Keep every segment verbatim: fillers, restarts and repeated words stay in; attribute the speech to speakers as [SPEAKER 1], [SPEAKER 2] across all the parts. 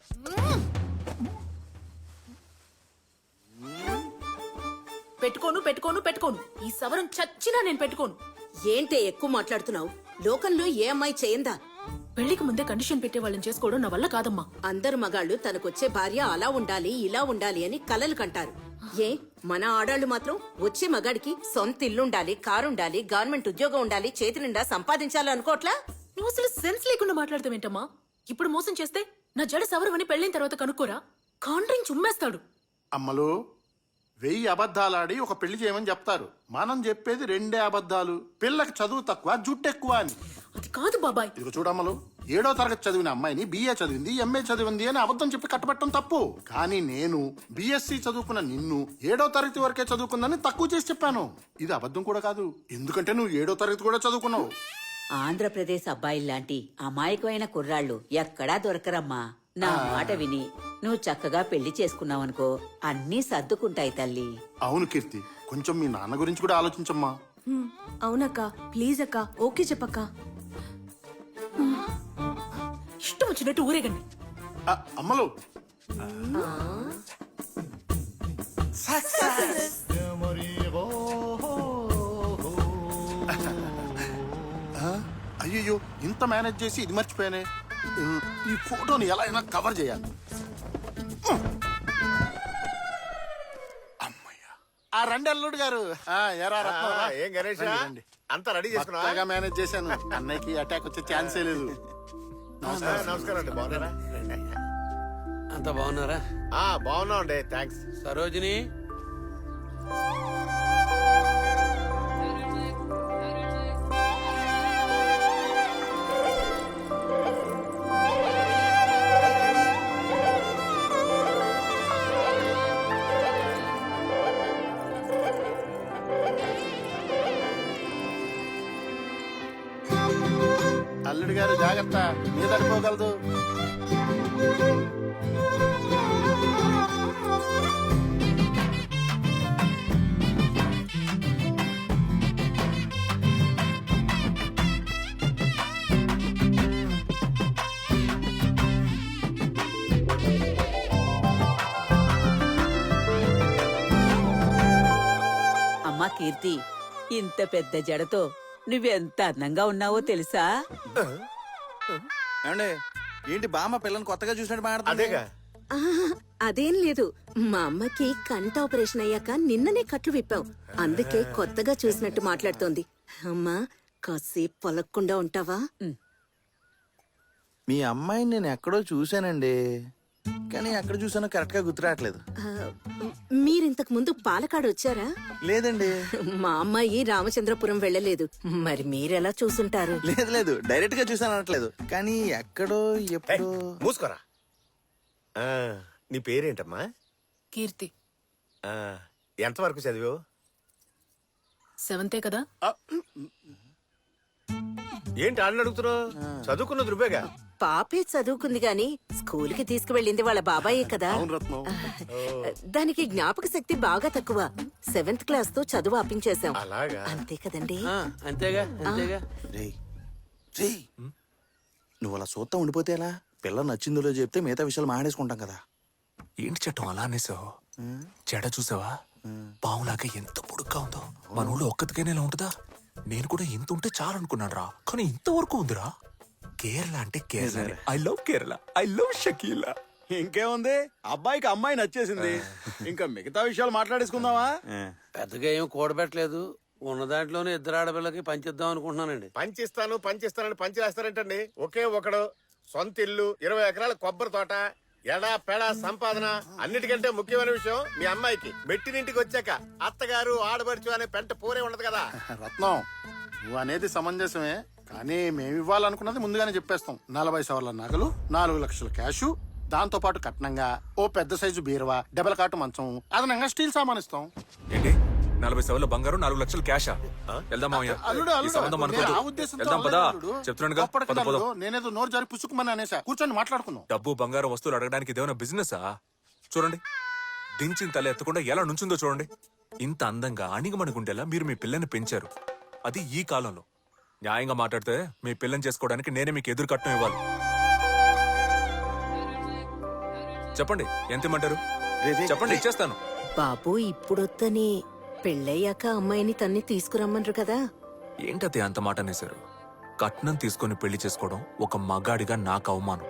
[SPEAKER 1] పెట్టుకోను పెట్టుకోను పెట్టుకోను ఈ సవరం చచ్చినా నేను పెట్టుకోను.
[SPEAKER 2] ఏంటే ఎక్కువ మాట్లాడుతున్నావు? లోకంలో ఏ అమ్మాయి చేయందా?
[SPEAKER 1] పెళ్లికి ముందే కండిషన్ పెట్టే వాళ్ళని చేసుకోవడం నా వల్ల కాదమ్మా.
[SPEAKER 2] అందరు మగాళ్ళు తనకొచ్చే భార్య అలా ఉండాలి ఇలా ఉండాలి అని కలలు కంటారు. ఏ మన ఆడాళ్లు మాత్రం వచ్చే మగాడికి సొంత ఇల్లుండాలి, కారుండాలి, గవర్నమెంట్ ఉద్యోగం ఉండాలి, చేతి నిండా సంపాదించాలనుకోట్లా?
[SPEAKER 1] నువ్వు అసలు సెన్స్ లేకుండా మాట్లాడతావేంటమ్మా? ఇప్పుడు మోసం చేస్తే నా జడ సవరమని పెళ్ళైన తర్వాత కనుక్కోరా, కాండ్రింగ్ చుమ్మేస్తాడు.
[SPEAKER 3] అమ్మలు, వెయ్యి అబద్ధాలాడి ఒక పెళ్లి చేయమని చెప్తారు. మనం చెప్పేది రెండే అబద్ధాలు. పిల్లకి చదువు తక్కువ, జుట్టు ఎక్కువ అని.
[SPEAKER 1] అది కాదు బాబాయ్.
[SPEAKER 3] ఇదిగో చూడమ్మలు, ఏడో తరగతి చదివిన అమ్మాయిని బిఏ చదివింది, ఎంఏ చదివింది అని అబద్ధం చెప్పి కట్టబెట్టడం తప్పు. కానీ నేను బిఎస్సి చదువుకున్న నిన్ను ఏడో తరగతి వరకే చదువుకుందని తక్కువ చేసి చెప్పాను. ఇది అబద్ధం కూడా కాదు, ఎందుకంటే నువ్వు ఏడో తరగతి కూడా చదువుకున్నావు.
[SPEAKER 4] ఆంధ్రప్రదేశ్ అబ్బాయిల్లాంటి అమాయకమైన కుర్రాళ్ళు ఎక్కడా దొరకరమ్మా. నా మాట విని నువ్వు చక్కగా పెళ్లి చేసుకున్నావనుకో, అన్నీ సర్దుకుంటాయి తల్లి.
[SPEAKER 3] అవును కీర్తి, కొంచెం మీ నాన్న గురించి కూడా ఆలోచించమ్మా.
[SPEAKER 5] అవునక్క, ప్లీజ్ అక్క, ఓకే చెప్పక్క.
[SPEAKER 1] ఇష్టం వచ్చినట్టు ఊరేగండి.
[SPEAKER 3] ఆ, అమ్మలు అయ్యో, ఇంత మేనేజ్ చేసి ఇది మర్చిపోయానే. ఈ ఫోటోని ఎలా అయినా కవర్ చేయాలి. అమ్మయ్యా, ఆ రండి అల్లుడు గారు. ఆ, ఎరా రత్నం, రా.
[SPEAKER 6] ఏం గణేష్
[SPEAKER 3] రండి, రండి.
[SPEAKER 6] అంతా రెడీ చేసుకున్నా?
[SPEAKER 3] బాగా మేనేజ్ చేశాను. అన్నయ్యకి అటాక్ వచ్చే ఛాన్సే లేదు.
[SPEAKER 6] నమస్కారం అండి, బాగున్నారా?
[SPEAKER 7] అంత బాగున్నారా?
[SPEAKER 6] ఆ బాగున్నాం అండి, థ్యాంక్స్.
[SPEAKER 7] సరోజిని,
[SPEAKER 3] అల్లుడు గారు జాగ్రత్త, మీద పడిపోగలదు.
[SPEAKER 4] అమ్మా కీర్తి, ఇంత పెద్ద జడతో నువ్వెంత అందంగా ఉన్నావో తెలుసా?
[SPEAKER 8] ఏమండి, ఏంటి బామ్మ పిల్లని కొత్తగా చూసినట్టు మాట్లాడుతుంది?
[SPEAKER 6] అదేగా.
[SPEAKER 2] ఆహా, అదేం లేదు. మా అమ్మకి కంట ఆపరేషన్ అయ్యాక నిన్ననే కట్లు విప్పాం, అందుకే కొత్తగా చూసినట్టు మాట్లాడుతోంది. అమ్మా, కాసేపు పొలక్కుండా ఉంటావా?
[SPEAKER 8] మీ అమ్మాయిని నేను ఎక్కడో చూశానండి, కానీ ఎక్కడ చూసానో కరెక్ట్ గా గుర్తురావట్లేదు.
[SPEAKER 2] ఆ, మీరింతకు ముందు పాలకాడు వచ్చారా?
[SPEAKER 8] లేదండి.
[SPEAKER 2] మా అమ్మాయి రామచంద్రపురం వెళ్ళలేదు, మరి మీరెలా చూసుంటారు?
[SPEAKER 8] లేదు లేదు, డైరెక్ట్ గా చూసాను అనట్లేదు, కానీ ఎక్కడో ఎప్పుడో.
[SPEAKER 6] మూసుకోరా. ఆ, నీ పేరేంటమ్మా?
[SPEAKER 1] కీర్తి.
[SPEAKER 6] ఆ, ఎంతవరకు చదివావు?
[SPEAKER 1] సెవెంతే కదా.
[SPEAKER 6] ఏంటి ఆడని అడుగుతున్నావు? చదువుకున్నది నువ్వేగా.
[SPEAKER 2] పాపే చదువుకుంది గాని స్కూల్ కి తీసుకువెళ్ళింది వాళ్ళ బాబాయే కదా.
[SPEAKER 3] అవును రత్నం.
[SPEAKER 2] దానికి జ్ఞాపక శక్తి బాగా తక్కువ. సెవెంత్ క్లాస్ తో చదువు ఆపించేశాం.
[SPEAKER 6] అలాగా?
[SPEAKER 2] అంతే కదండి.
[SPEAKER 7] ఆ, అంతేగా అంతేగా.
[SPEAKER 8] రేయ్, రేయ్, నువ్వు అలా సూత్తా ఉండిపోతే ఎలా? పిల్ల నచ్చిందో చెప్తే మిగతా విషయాలు మాట్లాడేసుకుంటాం కదా.
[SPEAKER 9] ఏంటి చట్టం అలా అనేసావు? చెడ చూసావా? పావులాగా ఎంత పొడుగ్గా ఉందో. మన ఊళ్ళో ఒక్కతికైనా ఇలా ఉంటుందా? నేను కూడా ఇంత ఉంటే చాలు అనుకున్నాను రా, కానీ ఇంతవరకు ఉందిరా. కేరళ అంటే Kerala. I love Kerala, I love Shakeela.
[SPEAKER 8] ఇంకేముంది, అబ్బాయికి అమ్మాయి నచ్చేసింది, ఇంకా మిగతా విషయాలు మాట్లాడేసుకుందామా?
[SPEAKER 7] పెద్దగా ఏం కూడబెట్టలేదు, ఉన్న దాంట్లోనే ఇద్దరు ఆడపిల్లకి పంచిద్దాం అనుకుంటున్నానండి.
[SPEAKER 6] పంచిస్తాను పంచిస్తానని పంచి వేస్తారంటండి. ఒకే ఒకడు, సొంత ఇల్లు, ఇరవై ఎకరాల కొబ్బరి తోట, ఎడా పెడా సంపాదన. అన్నిటికంటే ముఖ్యమైన విషయం, మీ అమ్మాయికి మెట్టినింటికి వచ్చాక అత్తగారు ఆడబడుచు అనే పెంట పోరే ఉండదు కదా.
[SPEAKER 3] రత్నం, నువ్వు అనేది సమంజసమే, కానీ మేము ఇవ్వాలనుకున్నది ముందుగానే చెప్పేస్తాం. నలభై సవర్ల నగలు, నాలుగు లక్షల క్యాషు, దాంతో పాటు కట్నంగా ఓ పెద్ద సైజు బీరువా, డబల్ కాటు మంచం, అదనంగా స్టీల్ సామాన్ ఇస్తాం.
[SPEAKER 9] ఏంటి నలభై సవర్ల బంగారం, నాలుగు లక్షల క్యాషా? వెళ్దాం మామయ్య.
[SPEAKER 3] అల్లుడు,
[SPEAKER 9] ఈ సంబంధం
[SPEAKER 3] అల్లుడు, నేను ఆ
[SPEAKER 9] అనుకోదు.
[SPEAKER 3] ఉద్దేశంతో
[SPEAKER 9] వెళ్దాం పదా.
[SPEAKER 3] అల్లుడు.
[SPEAKER 9] చెప్తున్నానుగా,
[SPEAKER 3] గొప్పటికి
[SPEAKER 9] పద
[SPEAKER 3] అల్లుడు,
[SPEAKER 9] పోదాం.
[SPEAKER 3] నేనేదో నోరు జారి పుచ్చుకుమని అనేసా. కూర్చొని మాట్లాడుకుందాం.
[SPEAKER 9] డబ్బు బంగారం వస్తువులు అడగడానికి ఇదేమైనా బిజినెసా? చూడండి, దించిన తల ఎత్తకుండా ఎలా నుంచుందో చూడండి. ఇంత అందంగా అణిగమణిగుండేలా మీరు మీ పిల్లని పెంచారు, అది ఈ కాలంలో. న్యాయంగా మాట్లాడితే మీ పిల్లని చేసుకోవడానికి నేనే మీకు ఎదురు కట్నం ఇవ్వాలి. చెప్పండి ఎంత ఇమ్మంటారు?
[SPEAKER 8] రే, రే,
[SPEAKER 9] చెప్పండి
[SPEAKER 8] రే.
[SPEAKER 9] ఇచ్చేస్తాను.
[SPEAKER 2] బాబు ఇప్పుడొద్దని పెళ్ళయ్యాక అమ్మాయిని తన్ని తీసుకురమ్మన్రు కదా.
[SPEAKER 9] ఏంటతే అంత మాట అనేశారు? కట్నం తీసుకొని పెళ్లి చేసుకోవడం ఒక మగాడిగా నాకు అవమానం.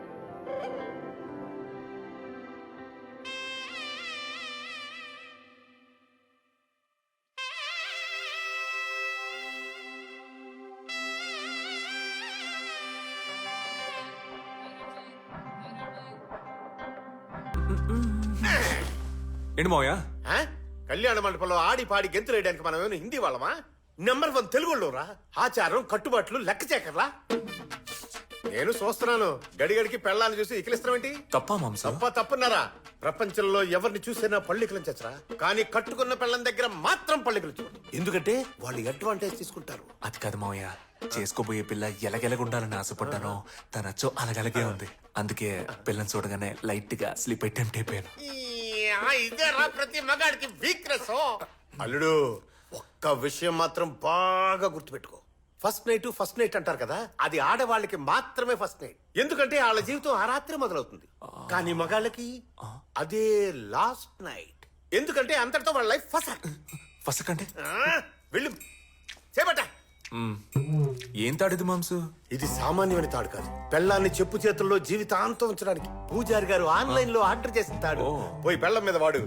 [SPEAKER 9] ఏంటి మావయ్య?
[SPEAKER 6] ఆ? కళ్యాణ మండపంలో ఆడి పాడి గెంతులు వేయడానికి మనం ఏమైనా హిందీ వాళ్ళమా? నెంబర్ వన్ తెలుగులోరా. ఆచారం కట్టుబాట్లు లెక్క చేకర్లా. నేను చూస్తున్నాను గడిగడికి పెళ్ళాన్ని చూసి ఇకిలిస్తామేంటి?
[SPEAKER 9] తప్పా మాంసం?
[SPEAKER 6] తప్ప తప్పున్నారా? ప్రపంచంలో ఎవరిని చూసినా పళ్ళికలం చచ్చరా, కానీ కట్టుకున్న పెళ్ళం దగ్గర మాత్రం పళ్ళికలు చూడు. ఎందుకంటే వాళ్ళు అడ్వాంటేజ్ తీసుకుంటారు.
[SPEAKER 9] అది కాదు మావయ్య, చేసుకోబోయే పిల్ల ఎలగెలగుండాలని ఆశపడ్డాను. తన అచ్చో అలగలగే ఉంది. అందుకే పిల్లని చూడగానే లైట్ గా స్లీప్ అటెంప్ట్ అయిపోయాను.
[SPEAKER 6] ఇదేరా ప్రతి మగాడికి వీక్నెస్. అల్లుడు ఒక్క విషయం మాత్రం బాగా గుర్తుపెట్టుకో. ఫస్ట్ నైట్ ఫస్ట్ నైట్ అంటారు కదా, అది ఆడవాళ్ళకి మాత్రమే ఫస్ట్ నైట్. ఎందుకంటే వాళ్ళ జీవితం ఆ రాత్రి మొదలవుతుంది. కానీ మగాళ్ళకి అదే లాస్ట్ నైట్. ఎందుకంటే అంతటితో వాళ్ళ లైఫ్ ఫస్ట్.
[SPEAKER 9] ఫస్ట్ అంటే
[SPEAKER 6] వెళ్ళు చేపట్ట.
[SPEAKER 9] ఏం తాడిది మాంసు?
[SPEAKER 6] ఇది సామాన్యమైన తాడు కాదు. పెళ్ళాన్ని చెప్పు చేతుల్లో జీవితాంతం ఉంచడానికి పూజారి గారు ఆన్లైన్ లో ఆర్డర్ చేసిన తాడు. పోయి పెళ్ళం మీద వాడు.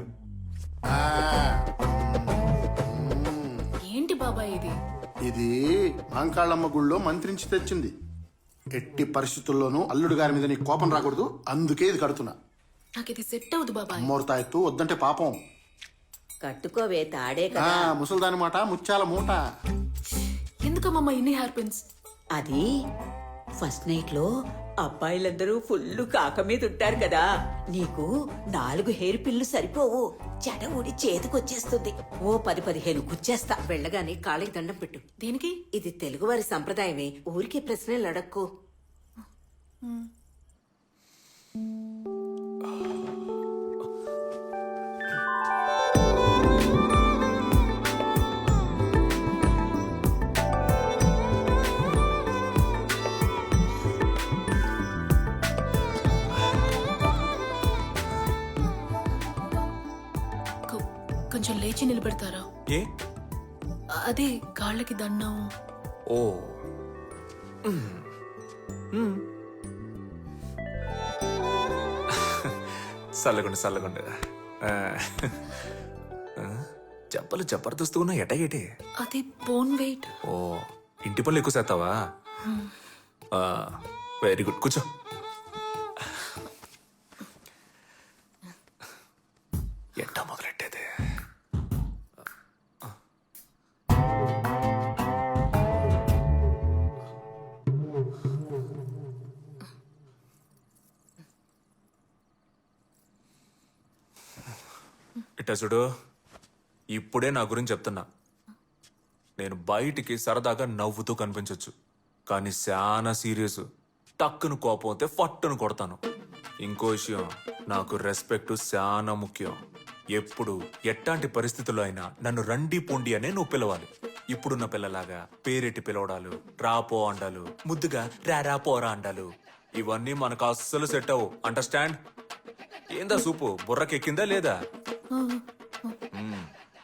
[SPEAKER 1] ఏంటి బాబాయ్ ఇది?
[SPEAKER 3] ఇది మాంకాళ్ళమ్మ గుళ్ళో మంత్రించి తెచ్చింది. ఎట్టి పరిస్థితుల్లోనూ అల్లుడు గారి మీద నీ కోపం రాకూడదు, అందుకే ఇది కడుతున్నా.
[SPEAKER 1] నాకు ఇది సెట్ అవుదు బాబాయ్.
[SPEAKER 3] మూర్తాయత్తు వద్దంటే పాపం.
[SPEAKER 4] కట్టుకోవే తాడే
[SPEAKER 3] ఆ
[SPEAKER 4] కదా.
[SPEAKER 3] ముసల్దాని మాట ముత్యాల మూట.
[SPEAKER 1] ఎందుకమ్మా ఇన్ని హెయిర్ పిన్స్?
[SPEAKER 4] అది ఫస్ట్ నైట్ లో అబ్బాయిలందరూ ఫుల్ కాక మీద ఉంటారు కదా, నీకు నాలుగు హెయిర్ పిల్లు సరిపోవు. చెడ ఊడి చేతికొచ్చేస్తుంది. ఓ పది పదిహేను గుచ్చేస్తా.
[SPEAKER 2] వెళ్ళగానే కాళ్ళకి దండం పెట్టు.
[SPEAKER 1] దేనికి?
[SPEAKER 2] ఇది తెలుగువారి సంప్రదాయమే. ఊరికే ప్రశ్నలు అడక్కు.
[SPEAKER 1] కొ- కొంచెం లేచి నిలబెడతారా?
[SPEAKER 9] ఏ?
[SPEAKER 1] అదే కాళ్ళకి దండం.
[SPEAKER 9] ఓ మ్మ్. మ్మ్. చల్లగుండు చల్లగుండు. ఆ. ఆ, చెప్పలు జబర్దస్త్ ఉన్నా ఎటగేటి.
[SPEAKER 1] అది బోన్ వెయిట్.
[SPEAKER 9] ఓ ఇంటి పనులు ఎక్కువ చేస్తావా? వెరీ గుడ్, కూర్చో. ఎట్టా మొదలెట్టేది? ఇట్టా చూడు, ఇప్పుడే నా గురించి చెప్తున్నా. నేను బయటికి సరదాగా నవ్వుతూ కనిపించొచ్చు, కానీ చాలా సీరియస్. టక్కును కోపం అయితే ఫట్టును కొడతాను. ఇంకో విషయం, నాకు రెస్పెక్ట్ చాలా ముఖ్యం. ఎప్పుడు ఎట్లాంటి పరిస్థితుల్లో అయినా నన్ను రండి పొండి అనే నువ్వు పిలవాలి. ఇప్పుడున్న పిల్లలాగా పేరెట్టి పిలవడాలు, రాపో అండాలు, ముద్దుగా రారా పోరా అండాలు, ఇవన్నీ మనకు అస్సలు సెట్ అవ్వు. అండర్స్టాండ్? ఏందా సూపు బుర్రకెక్కిందా లేదా? మ్మ్.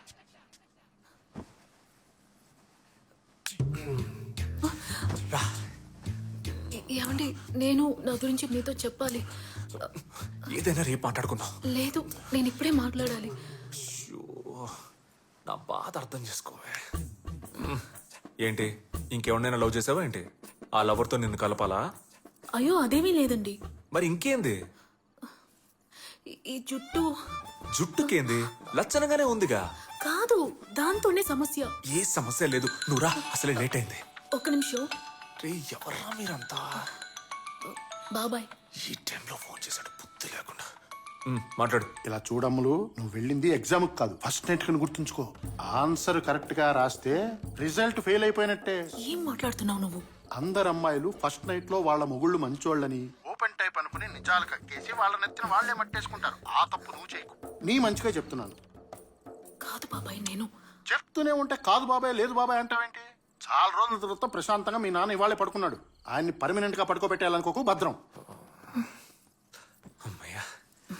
[SPEAKER 1] ఏ- ఏమండి, నేను నా గురించి మీతో చెప్పాలి.
[SPEAKER 9] ఏదైనా రేపు మాట్లాడుకుందాం.
[SPEAKER 1] లేదు, నేను ఇప్పుడే మాట్లాడాలి.
[SPEAKER 9] అయ్యో, నా బాధ అర్థం చేసుకోవే. మ్మ్. ఏంటి, ఇంకెవరినైనా లవ్ చేసావా ఏంటి? ఆ లవర్తో నిన్ను కలపాలా?
[SPEAKER 1] అయ్యో అదేమీ లేదండి.
[SPEAKER 9] మరి ఇంకేంది?
[SPEAKER 1] ఈ- ఈ జుట్టు
[SPEAKER 9] జుట్టుకేంది? లచ్చనగానే ఉందిగా.
[SPEAKER 1] కాదు, దాంతోనే సమస్య.
[SPEAKER 9] ఏ సమస్య లేదు, నువ్వు రా, అసలే లేట్ అయింది.
[SPEAKER 1] ఒక్క నిమిషం.
[SPEAKER 9] రే ఎవర్రా మీరంతా?
[SPEAKER 1] బాబాయ్,
[SPEAKER 9] ఈ టైంలో ఫోన్ చేశాడు బుద్ధి లేకుండా. మ్మ్, మాట్లాడు.
[SPEAKER 3] ఇలా చూడమ్ములు, నువ్వు వెళ్ళింది ఎగ్జామ్ కాదు, ఫస్ట్ నైట్ కని గుర్తుంచుకో. ఆన్సర్ కరెక్ట్ గా రాస్తే రిజల్ట్ ఫెయిల్ అయిపోయినట్టే.
[SPEAKER 1] ఏం మాట్లాడుతున్నావు నువ్వు?
[SPEAKER 3] అందరు అమ్మాయిలు ఫస్ట్ నైట్ లో వాళ్ళ మొగుళ్ళు మంచోళ్ళని ఓపెన్ టైప్ అనుకుని నిజాలు కక్కేసి వాళ్ళ నెత్తిన వాళ్ళే మట్టేసుకుంటారు. ఆ తప్పు నువ్వు చేయకు. నీ మంచిగా చెప్తున్నాను.
[SPEAKER 1] కాదు బాబాయ్, నేను
[SPEAKER 3] చెప్తూనే ఉంటే కాదు బాబాయ్ లేదు బాబాయ్ అంటావేంటి? చాలా రోజుల తర్వాత ప్రశాంతంగా మీ నాన్న ఇవాళే పడుకున్నాడు. ఆయన్ని పర్మనెంట్ గా పడుకోబెట్టాలనుకోకు, భద్రం.
[SPEAKER 9] అమ్మయ్యా,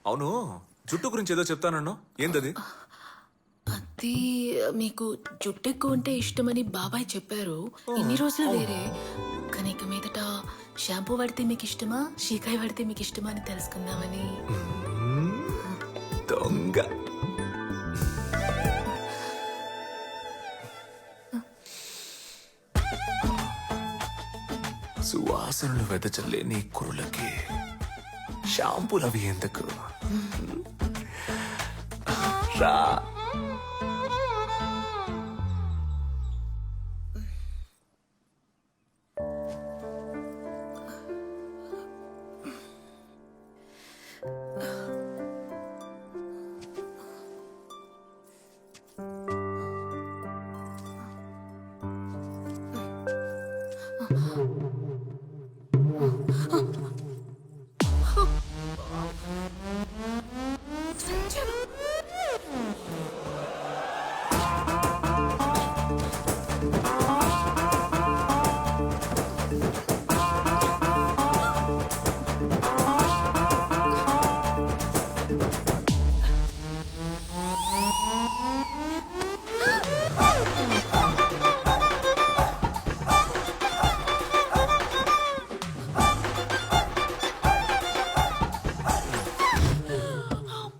[SPEAKER 9] అవును జుట్టు గురించి ఏదో చెప్తానన్నా ఏంటది?
[SPEAKER 1] అది మీకు జుట్టు ఎక్కువ ఉంటే ఇష్టమని బాబాయ్ చెప్పారు. ఇన్ని రోజులు వేరే, కానీ ఇక మీదట షాంపూ వాడితే మీకు ఇష్టమా, షీకాయ వాడితే మీకు ఇష్టమా అని తెలుసుకుందామని.
[SPEAKER 9] దొంగ. సువాసనలు వెదచల్లే నీ కురులకి షాంపూలు అవి ఎందుకు? రా